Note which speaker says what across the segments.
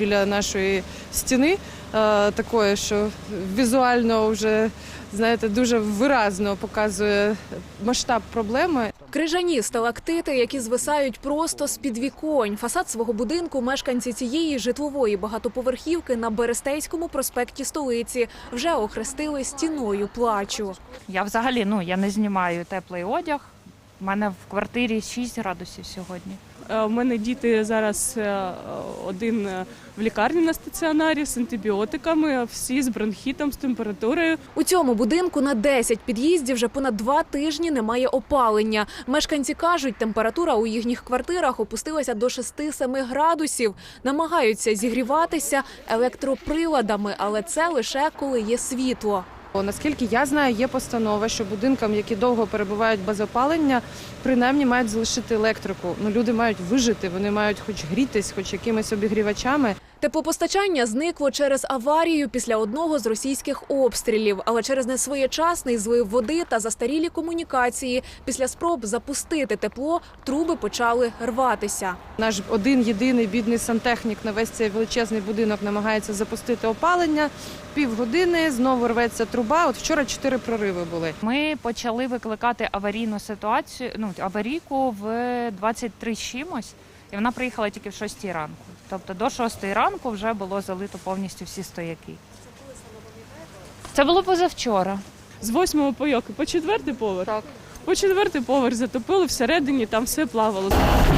Speaker 1: біля нашої стіни, такої, що візуально вже, знаєте, дуже виразно показує масштаб проблеми.
Speaker 2: Крижані сталактити, які звисають просто з-під віконь. Фасад свого будинку мешканці цієї житлової багатоповерхівки на Берестейському проспекті столиці вже охрестили стіною плачу.
Speaker 3: Я взагалі, я не знімаю теплий одяг. У мене в квартирі 6 градусів сьогодні.
Speaker 4: У мене діти зараз один в лікарні на стаціонарі з антибіотиками, всі з бронхітом, з температурою.
Speaker 2: У цьому будинку на 10 під'їздів вже понад 2 тижні немає опалення. Мешканці кажуть, температура у їхніх квартирах опустилася до 6-7 градусів. Намагаються зігріватися електроприладами, але це лише коли є світло.
Speaker 1: Наскільки я знаю, є постанова, що будинкам, які довго перебувають без опалення, принаймні мають залишити електрику. Люди мають вижити, вони мають хоч грітись, хоч якимись обігрівачами.
Speaker 2: Теплопостачання зникло через аварію після одного з російських обстрілів, але через несвоєчасний злив води та застарілі комунікації після спроб запустити тепло труби почали рватися.
Speaker 1: Наш один-єдиний бідний сантехнік на весь цей величезний будинок намагається запустити опалення. Півгодини, знову рветься труба. От вчора 4 прориви були.
Speaker 3: Ми почали викликати аварійну ситуацію, аварійку в 23 з чимось, і вона приїхала тільки в 6 ранку. Тобто до 6 ранку вже було залито повністю всі стояки. Це було позавчора.
Speaker 4: З 8-го пайоки по 4-й поверх?
Speaker 1: Так.
Speaker 4: По 4-й поверх затопили, всередині там все плавало.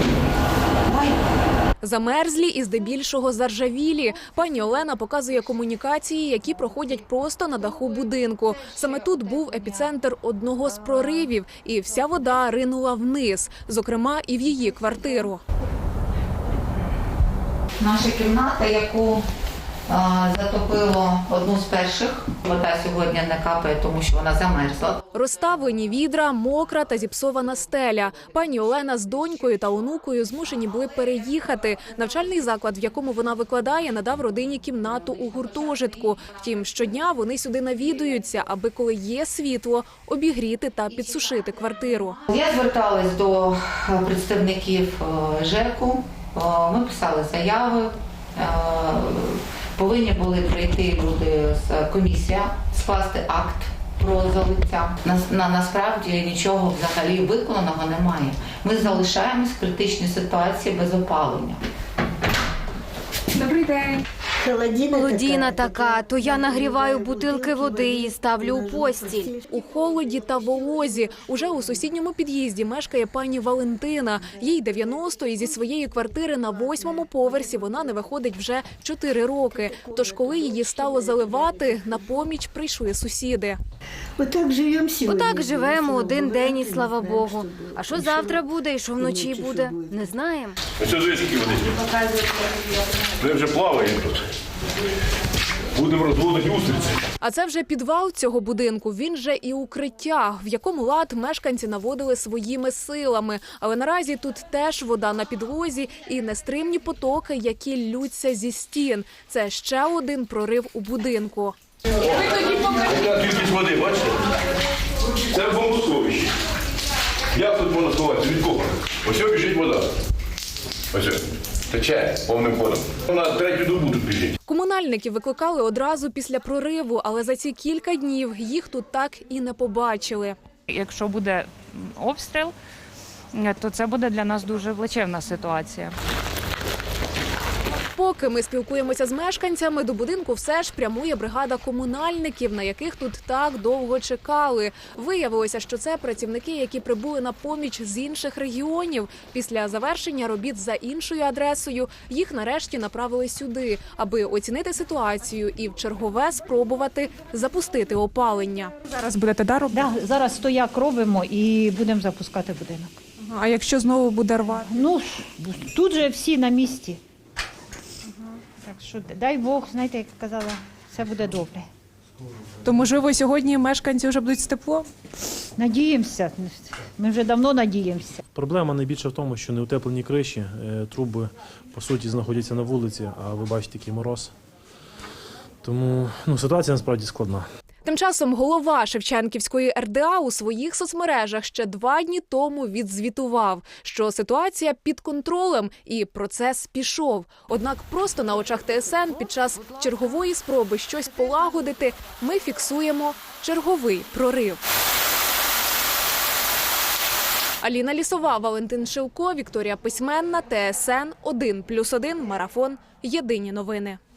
Speaker 2: Замерзлі і здебільшого заржавілі. Пані Олена показує комунікації, які проходять просто на даху будинку. Саме тут був епіцентр одного з проривів, і вся вода ринула вниз, зокрема і в її квартиру.
Speaker 5: Наша кімната, яку затопило одну з перших. Вода сьогодні не капає, тому що вона замерзла.
Speaker 2: Розставлені відра, мокра та зіпсована стеля. Пані Олена з донькою та онукою змушені були переїхати. Навчальний заклад, в якому вона викладає, надав родині кімнату у гуртожитку. Втім, щодня вони сюди навідуються, аби коли є світло, обігріти та підсушити квартиру.
Speaker 5: Я зверталась до представників ЖЕКу, ми писали заяви. Повинні були прийти люди з комісія, скласти акт про залиття. Насправді нічого взагалі виконаного немає. Ми залишаємось в критичній ситуації без опалення.
Speaker 2: Добрий день.
Speaker 6: Холодіна така, то я нагріваю бутилки води і ставлю у постіль.
Speaker 2: У холоді та волозі. Уже у сусідньому під'їзді мешкає пані Валентина. Їй 90, і зі своєї квартири на 8-му поверсі вона не виходить вже 4 роки. Тож, коли її стало заливати, на поміч прийшли сусіди.
Speaker 6: Отак живемо один день і слава Богу. А що завтра буде і що вночі буде, не знаємо.
Speaker 7: Ось тут скільки води. Ми вже плаваємо тут. Будемо розводити устриці.
Speaker 2: А це вже підвал цього будинку, він же і укриття, в якому лад мешканці наводили своїми силами. Але наразі тут теж вода на підлозі і нестримні потоки, які ллються зі стін. Це ще один прорив у будинку.
Speaker 7: Яка кількість води, бачите? Це бомбосховище. Як тут можна сховатися? Від кого? Ось біжить вода. Ось тече повним ходом. Вона 3-ю добу тут біжить.
Speaker 2: Комунальників викликали одразу після прориву, але за ці кілька днів їх тут так і не побачили.
Speaker 3: Якщо буде обстріл, то це буде для нас дуже плачевна ситуація.
Speaker 2: Поки ми спілкуємося з мешканцями, до будинку все ж прямує бригада комунальників, на яких тут так довго чекали. Виявилося, що це працівники, які прибули на поміч з інших регіонів. Після завершення робіт за іншою адресою їх нарешті направили сюди, аби оцінити ситуацію і в чергове спробувати запустити опалення.
Speaker 8: Зараз будете робити?
Speaker 9: Да, зараз стояк робимо і будемо запускати будинок.
Speaker 8: А якщо знову буде рвати?
Speaker 9: Тут же всі на місці. Так що, дай Бог, знаєте, як казала, все буде добре.
Speaker 8: То, можливо, сьогодні мешканці вже будуть з теплом?
Speaker 9: Надіємося, ми вже давно надіємося.
Speaker 10: Проблема найбільше в тому, що неутеплені криші, труби, по суті, знаходяться на вулиці, а ви бачите, який мороз. Тому ситуація насправді складна.
Speaker 2: Тим часом голова Шевченківської РДА у своїх соцмережах ще 2 дні тому відзвітував, що ситуація під контролем і процес пішов. Однак просто на очах ТСН під час чергової спроби щось полагодити ми фіксуємо черговий прорив. Аліна Лісова, Валентин Шилко, Вікторія Письменна, ТСН 1+1, Марафон. Єдині новини.